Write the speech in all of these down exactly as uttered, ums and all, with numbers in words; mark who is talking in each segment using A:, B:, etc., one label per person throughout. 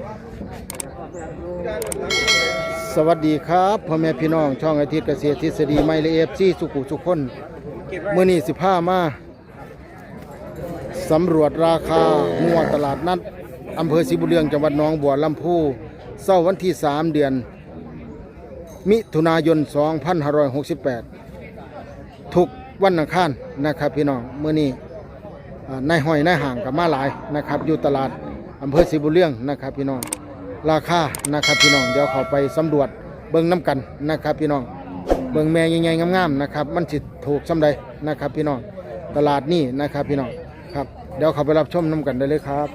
A: สวัสดีครับพ่อแม่พี่น้องช่องอาทิตย์เกษตรทฤษฎีไมเลเอฟซีสุขุสุขคนเมื่อนี้สิบห้ามาสำรวจราคางัวตลาดนัดอำเภอศรีบุญเรืองจังหวัดหนองบัวลำพูเสาร์วันที่สามเดือนมิถุนายนสองพันห้าร้อยหกสิบแปดทุกวันอังคารนะครับพี่น้องเมื่อนี้นายห้อยนายห่างกับมาหลายนะครับอยู่ตลาดอำเภอศรีบุญเรืองนะครับพี่น้องราคานะครับพี่น้องเดี๋ยวเขาไปสำรวจเบิ่งน้ำกันนะครับพี่น้องเบิ่งแม่ใหญ่ๆงามๆนะครับมันสิถูกสำใดนะครับพี่น้องตลาดนี่นะครับพี่น้องครับเดี๋ยวเขาไปรับชมน้ำกันได้เลยครับ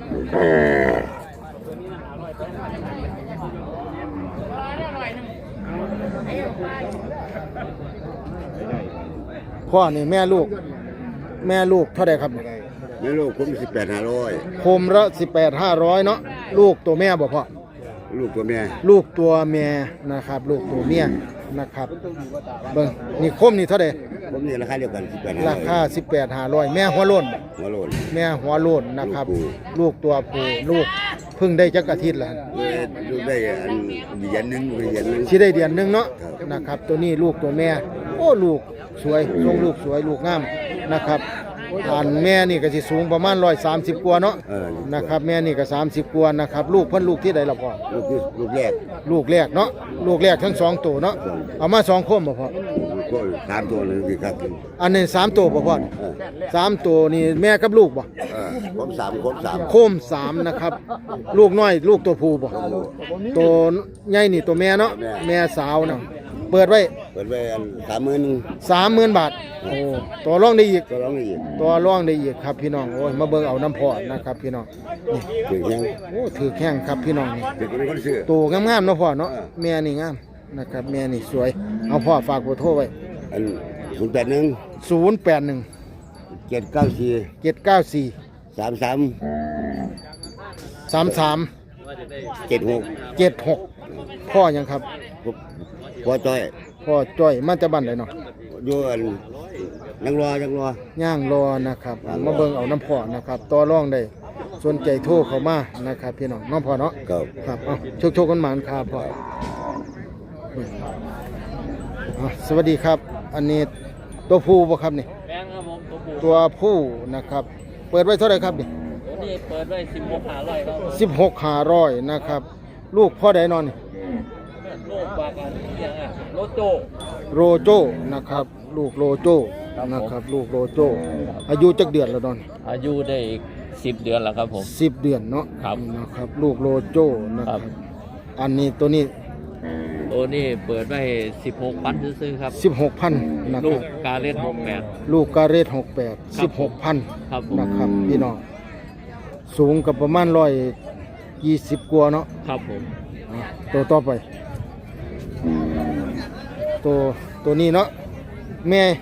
A: พ่อนี่แม่ลูกแม่ลูกเท่าไหร่ครับ
B: แม่ลูกผมสิบแปดห้าร้อย
A: โคมละสิบแปดห้าร้อยเนาะลูกตัวแม่บ่พ่อ
B: ลูกตัวแม่
A: ลูกตัวแม่นะครับลูกตัวเมียนะครับเบิ่งนี่โคมนี่เท่าไหร่
B: ผมนี่ราคาเดียวกันสิบแปด
A: ราคาสิบแปดห้าร้อยแม่หัวโล้น
B: หัวโล้น
A: แม่หัวโล้นนะครับลูกตัวผู้ลูกเพิ่งได้จักอาทิตย์แล้ว
B: ลูกได้อันเดือนนึงเดือนนึง
A: สิได้เดือนนึงเนาะนะครับตัวนี้ลูกตัวแม่โอ้ลูกสวยทรงลูกสวยลูกงามนะครับอันแม่นี่ก็สิสูงประมาณหนึ่งร้อยสามสิบกว่าเนาะนะครับแม่นี่ก็สามสิบกว่านะครับลูกเพิ่นลูกที่ใดล่ะพ่อ
B: ลูกลูกแรก
A: ลูกแรกเนาะลูกแรกทั้งสองตัวเนาะเอามาสองโคมบ่พ่อ
B: สามตัวเลยครับ
A: อันนี้สามตัวบ่พ่อสามตัวนี่แม่กับลูกบ่
B: โคมสามโคมสาม
A: โคมสามนะครับลูกน้อยลูกตัวผู้บ่ตัวใหญ่นี่ตัวแม่เนาะแม่สาวเนาะเปิดไว้
B: เปิดไว้สามหมื่น
A: สามหมื่นบาทโอ้ตัวรองได้อีก
B: ตัวรองได้อีก
A: ตัวรองได้อีกครับพี่น้องโอ้ยมาเบิ่งเอาน้ำพอนะครับพี่น้อง
B: ถือแข้ง
A: โอ้ถือแข้งครับพี่น้องนี่
B: ถือเป็นคนซื้อ
A: ตัวงามๆเนาะพ่อเนาะแม่นี่งามนะครับแม่นี่สวยเอาพ่อฝากเบอร์โทรไว้
B: อันศูนย์แปดหนึ่ง
A: ศูนย์แปดหนึ่ง
B: เจ็ดเก้าสี่
A: เจ็ดเก้าสี่
B: สามสาม
A: สามสาม
B: เจ็ดหก
A: เจ็ดหกพ่อยังครับ
B: พ่อจ้อย
A: พ่อจ้อยมันจะบันได้เนาะ
B: อยู่ยังรอยังร
A: อย่างรอนะครับมาเบิ่งเอาน้ำพ่อนะครับต่อรองได้สนใจโทรเข้ามานะครับพี่น้องน้องพ่อเนาะ
B: ครับ
A: ครับเอาโชคโชคกันหมานครับพ่อสวัสดีครับอันนี้ตัวผู้บ่ครับนี่
C: แบงครับผม
A: ตัวผู้นะครับเปิดไว้เท่าไหร่ครับนี่
C: ตัวนี้เปิดไว้สิบหกห้าร้อยครับ
A: สิบหกห้าร้อยนะครับลูกพ่อใดนอนนี่
C: ลูกบากันยังอ่ะโรโจ
A: โรโจนะครับลูกโรโจนะครับลูกโรโจอายุจักเดือนแล้วนอน
C: อายุได้อีกสิบเดือนแล้วครับผม
A: สิบเดือนเนาะ
C: ครับ
A: นะครับลูกโรโจนะครับอันนี้ตัวนี้
C: ตัวนี้เปิดไว้สิบหกพันซื้อครับ
A: สิบหกพันนะ
C: ค
A: รั
C: บลูกกาเรตหกแปด
A: ลูกกาเรตหกแปดสิบหกพันนะครับพี่น้องสูงกับประมาณร้อยยี่สิบกว่าเนาะ
C: ครับผม
A: ตัวต่อไปตัวตัวนี้เนาะแม่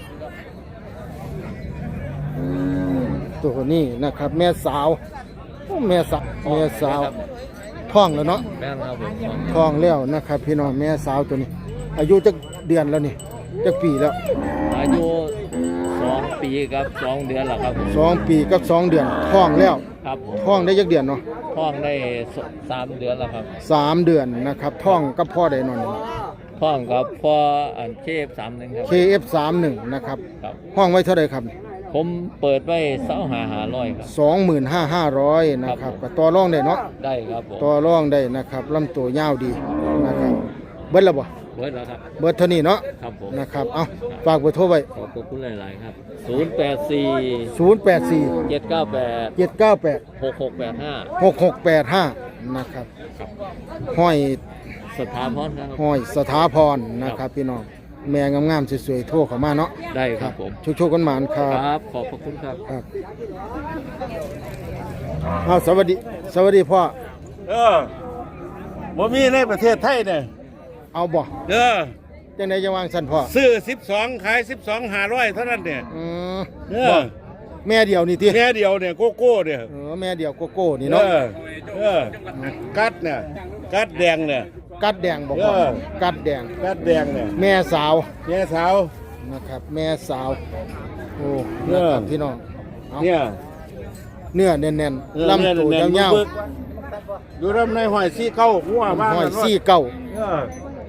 A: ตัวนี้นะครับแม่สาวแม่สาวแม่สาวท้องแล้วเนาะ
C: แม่ครับผม
A: ท้องแล้วนะครับพี่น้องแม่สาวตัวนี้อายุจักเดือนแล้วนี่จักปีแล้ว
C: อายุสองปีกับสองเดือนแล้วครับ
A: สองปีกับสองเดือนท้องแล้ว
C: ครับ
A: ท้องได้จักเดือนเนาะ
C: ท้องได้สามเดือนแล้วครับ
A: สามเดือนนะครับท้องกับพ่อได้นอน
C: ท้องกับพ่ออันเคเอฟสามหนึ่งครับ
A: เคเอฟสามหนึ่งนะครับห้องไว้เท่าไรครับ
C: ผมเปิดไว้สองหาหาร้อยครับ
A: สองหมื่นห้าห้าร้อยนะครับก็ต่อรองได้เนาะ
C: ได้ครับผม
A: ต่อรองได้นะครับลำตัวยาวดีนะครับเบิดแล้วบ่
C: เบิดแล้วครับ
A: เบิดเท่านี้เนาะ
C: ครับผม
A: นะครับเอาฝากเบอร์โทรไว้
C: ขอบคุณหลายๆครับศูนย์แปดสี่
A: ศูนย์แปดสี่
C: เจ็ดเก้าแปด
A: เจ็ดเก้าแปด
C: หกหกแปดห้า
A: หกหกแปดห้านะครับห้อย
C: สถาพรครับ
A: ห้อยสถาพรนะครับพี่น้องแม่งามๆสวยๆโทรเข้ามาเนาะ
C: ได้ครับผม
A: โชคๆกันหมานครับ
C: ครับขอบพระคุณครับ
A: ครับอ้าวสวัสดีสวัสดีพ่อ
D: เออบ่มีในประเทศไทยเนี่ย
A: เอาบ่
D: เออ
A: จังได๋จะวางสั่นพ่อ
D: ซื้อสิบสองขายสิบสอง ห้าร้อยเท่านั้นเนี่ย
A: อือ
D: เออ
A: แม่เดียวนี่ติ
D: แม่เดียวเนี่ยโกโก้เนี่ย
A: เออแม่เดียวโกโก้นี่เนาะ
D: เออเออกัดเนี่ยกัดแดงเนี่ย
A: กัดแดงบอกว่ากัดแดง
D: กัดแดงเนี่ย
A: แม่สาว
D: แม่สาว
A: นะครับแม่สาวโอ้นะครับพี่น้อง
D: เนี่ย
A: เนื้อแน่นๆลำตัวยาว
D: อยู่ลำในห้อยซี่เก้าหัวบ้าน
A: ห้อยสี่เก้า
D: เออ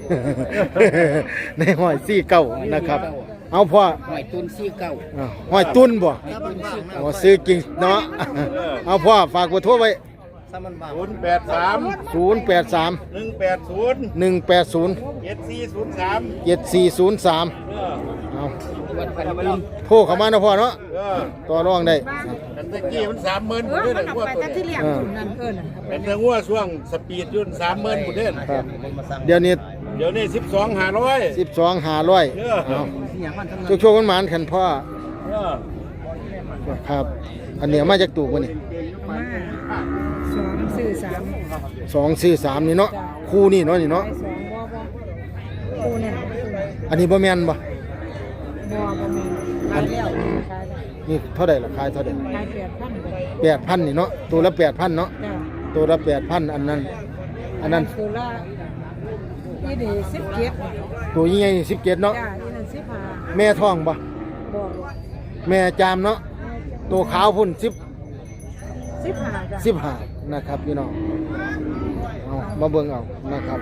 A: ในห้อยสี่เก้านะครับ เอาพ่อ
C: หอยตุนซี่เก้า
A: อ่าห้อยตุ้นบ่อ๋อซื้อจริงเนาะ เอาพ่อฝากเบอร์โทรไว้
D: ศูนย์แปดสาม
A: ศูนย์แปดสาม
D: หนึ่งแปดศูนย์
A: หนึ่งแปดศูนย์
D: เจ็ดสี่ศูนย์สาม
A: เจ็ดสี่ศูนย์สาม
D: เออ
A: เอา
C: วันพันตุน
A: โทรเข้ามาเนาะพ่อเนาะ
D: เออ
A: ต่อรองได้
D: กันตะกี้มันสามหมื่น
E: เอ
D: บุ
E: อ
D: เด้
E: มัน
D: หัว
E: เอาไป
D: ตัว
E: แต่
D: เนี่
E: ที่
D: ย
E: เลี้ยงตุ่นนั่นเพิ่นน่ะ
D: เป็นแต่หัวช่วงสปีดยุ่นสามหมื่นบุเด้
A: ครับ เดี๋ยวนี้
D: เดี๋ยวนี้สิบสองห้าร้อย
A: สิบสองหาร้อย
D: เออ
A: เอาช่วช่วงกันหมานขันพ่อ
D: เออ
A: ครับ อันเนี้ยมาจากตูกวะนี่
E: มาสองสื่อสาม
A: สองสี่สามนี่เนาะคู่นี่เนาะนี่เนาะ
E: ไปสองบ่บ่กูเนี่ย
A: อันนี้บ่แม่นบ่
E: บ่บ่แม่นขายแล้วขายแล้ว
A: นี่เท่าใดล่ะขายเท่าใด
E: ขายแปดพันเลย
A: แปดพันนี่เนาะตัวละแปดพันเนาะ
E: จ้า
A: ตัวละแปดพันอันนั้น อันนั้น
E: ตัวละอีนี่สิบเจ็ด
A: ตัวยี่ใหญ่สิบเจ็ดเนาะ
E: จ้าอีนั่นสิบห้า
A: แม่ท้องบ่
E: บ่
A: แม่จามเนาะตัวขาวพุ่นสิบ
E: สิบห้าจ้า
A: สิบห้านะครับพี่น้องเอามาเบิ่งเอานะครับ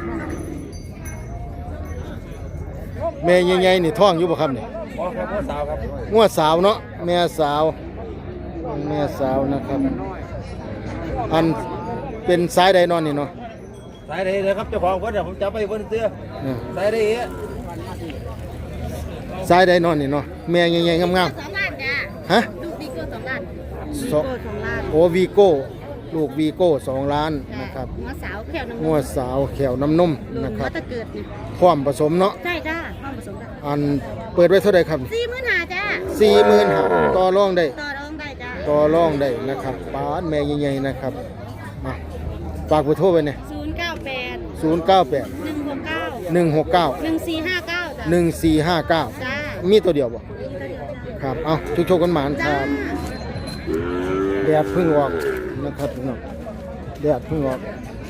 A: แม่ใหญ่ๆนี่ท้องอยู่บ่ครับนี่
D: พ่อครับพ่อสาวครับ
A: งวดสาวเนาะแม่สาวแม่สาวนะครับ อันเป็นสายใดนอนนี่เนาะ
D: สายใดเลยครับเจ้าของเพิ่นเดี๋ยวผมจะไปเพิ่นเตื้อ
A: เออ
D: สายใดเอ๊ะ
A: สายใดนอนนี่เนาะแม่ใหญ่ๆงาม
F: สองล้านจ้า
A: ๆฮะ
F: ลูกบิ๊กเกอร์สองล้าน
A: สอง
E: ตัวสองล้าน
A: โอวีโก้ลูกวีโก้สองล้านนะครับ
F: หัวสาวแขวน้ำ
A: งวดสาวแขวน้ำนม
F: ลุ
A: นะ
F: ง
A: ครั
F: วั
A: บ
F: ตะเกิดนี่
A: พร้อมผสมเนาะ
F: ใช่จ้าห้องผสมได้
A: อันเปิดไว้เท่าใดครับ
F: สี่หมื่นห้าจ้า
A: สี่หมื่นห้าต่อรองได้
F: ต่อรองได้จ้า
A: ต่อรองได้นะครับปานแม่ใหญ่ๆนะครับมาฝากเบอร์โทรไว้เนี่ย
F: ศูนย์เก้าแปด
A: ศูนย์เก้าแปด
F: หนึ่งหกเก้า
A: หนึ่งหกเก้า
F: หนึ่งสี่ห้าเก้าจ้า
A: หนึ่งสี่ห้าเก้า
F: จ้า
A: มีตัวเดียวบ่ครับเอาทุกโชคกันหมานค
F: จ้า
A: รับแดดเพิ่งออกนะครับพี่น้องแดดเพิ่งออก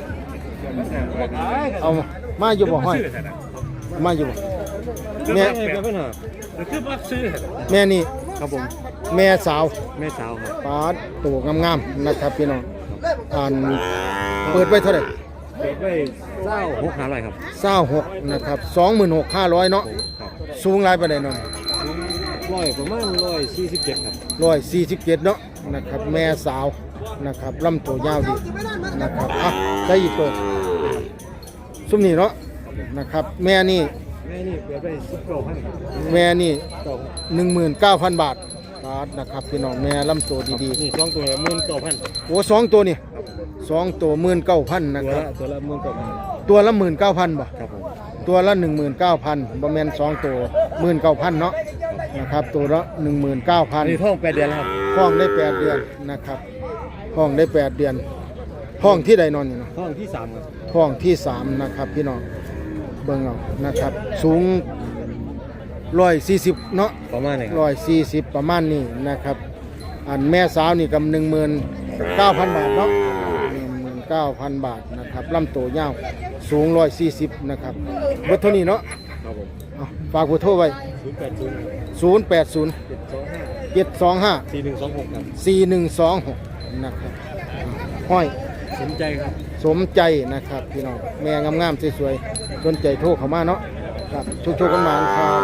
A: เอามามาอยู่บ่ห้อยมาอยู่บ่แม่
D: คือบ่ซื้อ
A: แม่นี่ครับผมแม่สาว
D: แม่สาวครับ
A: ปาดตัวงามๆนะครับพี่น้องอ่านเปิดไว้เท่าไหร่
D: เปิดไว้เจ้าหกห้าร้อยครับ
A: เศร้าหกนะครับสองหมื่นหกห้าร้อยเนาะ
D: ครับ
A: สูงหลายปานใดเนาะ
D: ร้อยประมาณร้อยสี่สิบเจ็ดครับ
A: ร้อยสี่สิบเจ็ดเนาะนะครับแม่สาวนะครับลำตัวยาวดีนะครับอ่ะได้อีกตัวซุ้มนี่เนาะนะครับแม่นี่
D: แม่นี่เปิดไว้สิบเก้าพัน
A: แม่นี่
D: เก้า
A: หนึ่งหมื่นเก้าพันบาทบาทนะครับพี่น้องแม่ลำตัวดี
D: นี่สองตัวละหมื่นเก้าพัน
A: ๆโอ้สองตัวนี่สองตัวหมื่นเก้าพันนะ
D: ตัว
A: ครั
D: ละ
A: บ
D: ตัวละหมื่นเก้าพัน
A: ตัวละหมื่นเก้าพันบ่
D: ครับผม
A: ตัวละหนึ่งหมื่นเก้าพันบ่แม่นสองตัวหมื่นเก้าพันเนาะนะครับตัวละหนึ่งหมื่นเก้าพั
D: อั
A: น
D: นนี้ท้องแปดเดือนแล้วครับ
A: ห้องได้แปดเดือนนะครับห้องได้แปดเดือน ห้องที่ใดนอนอยู่เนาะ
D: ท้องที่สามครับ
A: ห้องที่สามนะครับพี่น้องเบิ่งเอานะครับ สูงร้อยสี่สิบเนาะ
D: ประมาณนี้ค
A: ร้
D: รับ
A: อยสี่สิบประมาณนี้นะครับ อันแม่สาวนี่กับหนึ่งหมื่นเก้าพันบาทเนาะหนึ่งหมื่นเก้าพันบาทนะครับลำตัวยาวสูงร้อยสี่สิบนะครับเบอร์โทรนี้เนาะ
D: ครับผม
A: เอาฝากเบอร์โทรไว้
D: ศูนย์แปดศูนย์
A: ศูนย์แปดศูนย์
D: เจ็ดสองห้า
A: เจ็ดสองห้า
D: สี่หนึ่งสองหกครับ
A: สี่หนึ่งสองหกนะครับห้อย
D: สนใจครับ
A: สมใจนะครับพี่น้องแม่งามๆสวยๆสนใจโทรเข้ามาเนาะครับชุกๆกันมาครับ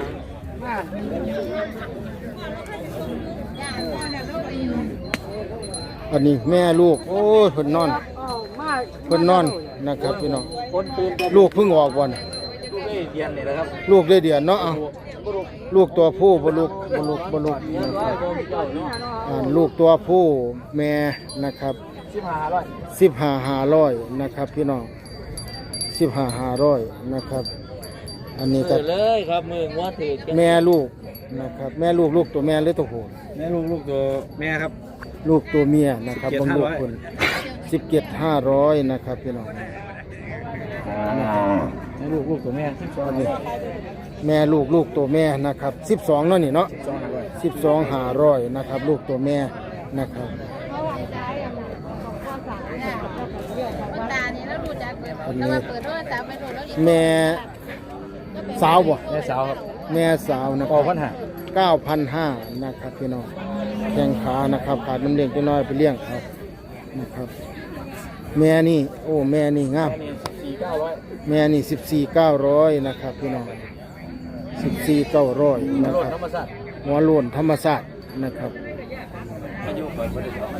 A: อันนี้แม่ลูกโอ้ยเพิ่นนอนเพิ่นนอนนะครับพี่น้องลูกเพิ่งออกวัน
D: ลูกได้เรียนนี่นะครับ
A: ลูกได้เดือนเนาะเอาลูกตัวผู้บ่ลูกบ่ลูกบ่ลูกนะครับอ่าลูกตัวผู้แม่นะครับ
D: สิบห้าร้อย
A: สิบห้าห้าร้อยนะครับพี่น้องสิบห้าห้าร้อยนะครับ อันนี้ก็
C: เออเลยครับมือว่าถือกัน
A: แม่ลูกนะครับ แม่ลูกลูกตัวแม่หรือตัวผู้
D: แม่ลูกลูกตัวแม่ครับ
A: ลูกตัวเมียนะครับ
D: สิบเจ็ด
A: บางลูก
D: ห้าร้อย
A: คนสิบเจ็ดห้าร้อยนะครับพี่น้อง
D: แม่ลูกลูกตัวแม่สิบสองเลย
A: แม่ลูกลูกตัวแม่นะครับสิบสองเนาะนี่เนาะ
D: สองห้าร้อย
A: สิบสองห้าร้อยนะครับ ลูกตัวแม่นะครับ
F: ตานี่แล้วรู้จักเปิด
A: อัน
F: แล้ว
A: นี้
F: มาเปิดโทรศัพท์ไปโดนแล้ว
A: แม่สาวบ่
D: แม่สาวครับ
A: แม่สาวนะค
D: อ
A: รั
D: อบ กพันห้า
A: เก้าพันห้านะครับพี่น้องแข้งขานะครับขาดน้ำเลี้ยงจะน้อยไปเลี้ยงครับนะครับแม่นี่โอ้แม่นี่งาม
C: สี่เก้าร้อย
A: แม่นี่สิบสี่เก้าร้อยนะครับพี่น้องสิบสี่เก้าร้อยนะค
C: รถ
A: รับ
C: ธรรมชาติ
A: หัวโล้นธรรมศาสตร์นะครับ
C: อายุเปิดบริษัท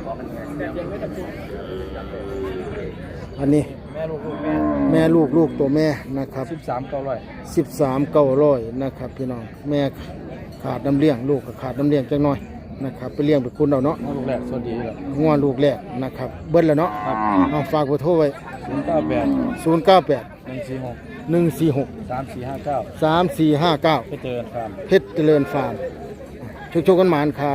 A: อันนี้
C: แม่ลูกลูกแม่
A: แม่ลูกลูกตัวแม่นะครับ
C: สิบสามเก้าร้อย
A: สิบสามเก้าร้อยนะครับพี่น้องแม่ขาดน้ำเลี้ยงลูกก็ขาดน้ำเลี้ยงจังหน่อยนะครับไปเลี้ยงไปคุณเอาเนาะ
C: ลูกแรกสวัสดีครับ
A: งัวลูกแรกนะครับเบิ้ลแล้วเนาะ
C: ครับ
A: เอาฝากเบอร์โทรไว้
C: ศูนย์เก้าแปด
A: ศูนย์เก้าแปด
C: หนึ่งสี่หก
A: หนึ่งสี่หก
C: สามสี่ห้าเก้า
A: สามสี่ห้าเก้า
C: ไปเจอกันครับ
A: เพชรเจริญฟาร์มชุกชกกันหมานครับ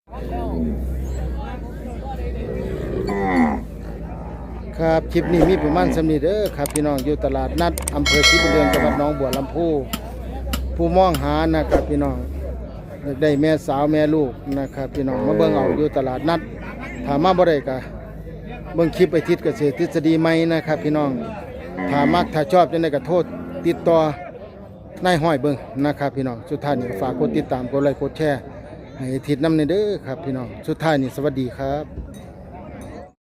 A: ครับคลิปนี้มีประมาณสำนีเด้อครับพี่น้องอยู่ตลาดนัดอำเภอศรีบุญเรืองจังหวัดหนองบัวลำพูผู้มองหานะครับพี่น้องอยากได้แม่สาวแม่ลูกนะครับพี่น้องมาเบิ่งเอาอยู่ตลาดนัดถามมาบ่ได้ก็เบิ่งคลิปไปทิศเกษตรทฤษฎีใหม่นะครับพี่น้องถ้ามักถ้าชอบจังได๋ก็โทษติดต่อนายห้อยเบิ่งนะครับพี่น้องสุดท้ายนี้ฝากกดติดตามกดไลค์กดแชร์ให้ทิศนำเด้อครับพี่น้องสุดท้ายนี้สวัสดีครับ